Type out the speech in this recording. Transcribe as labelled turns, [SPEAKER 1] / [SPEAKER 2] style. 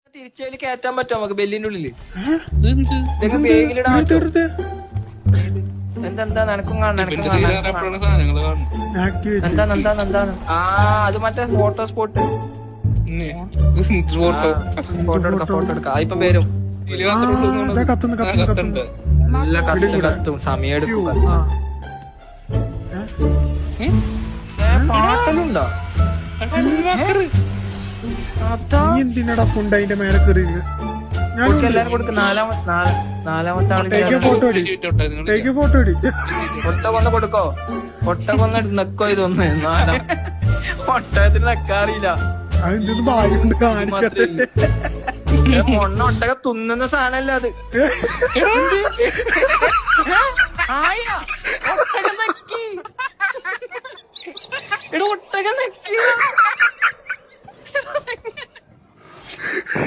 [SPEAKER 1] തിരിച്ചതിൽ കയറ്റാൻ പറ്റുമോ നമുക്ക് ബെല്ലിന്റെ ഉള്ളില്? എന്താ നിനക്കും കാണണം എന്താണ് അത് മറ്റേ ഫോട്ടോ സ്പോട്ട്. ഫോട്ടോ എടുക്കാം ഇപ്പൊ വരും. നല്ല കത്തും സമയം എടുക്കും. പാട്ടലുണ്ടോ?
[SPEAKER 2] എന്തിനാടാ ഫുണ്ട് അതിന്റെ മേലെ കയറി?
[SPEAKER 1] എല്ലാരും കൊടുക്കും. നാലാമത്തെ ആള്
[SPEAKER 2] ഫോട്ടോ അടി.
[SPEAKER 1] ഒട്ട കൊന്ന് കൊടുക്കോ? ഒട്ട കൊന്ന് നെക്കോ ഇതൊന്ന്. ഒട്ടകത്തിന് നെക്കാറിയില്ല.
[SPEAKER 2] അതെന്തൊന്നും ഭാഗ്യം കൊണ്ട് കാണിക്കട്ടെ.
[SPEAKER 1] മൊണ്ണ ഒട്ടക തുന്നുന്ന സാധനല്ല അത്. ഒട്ടക നെക്കി.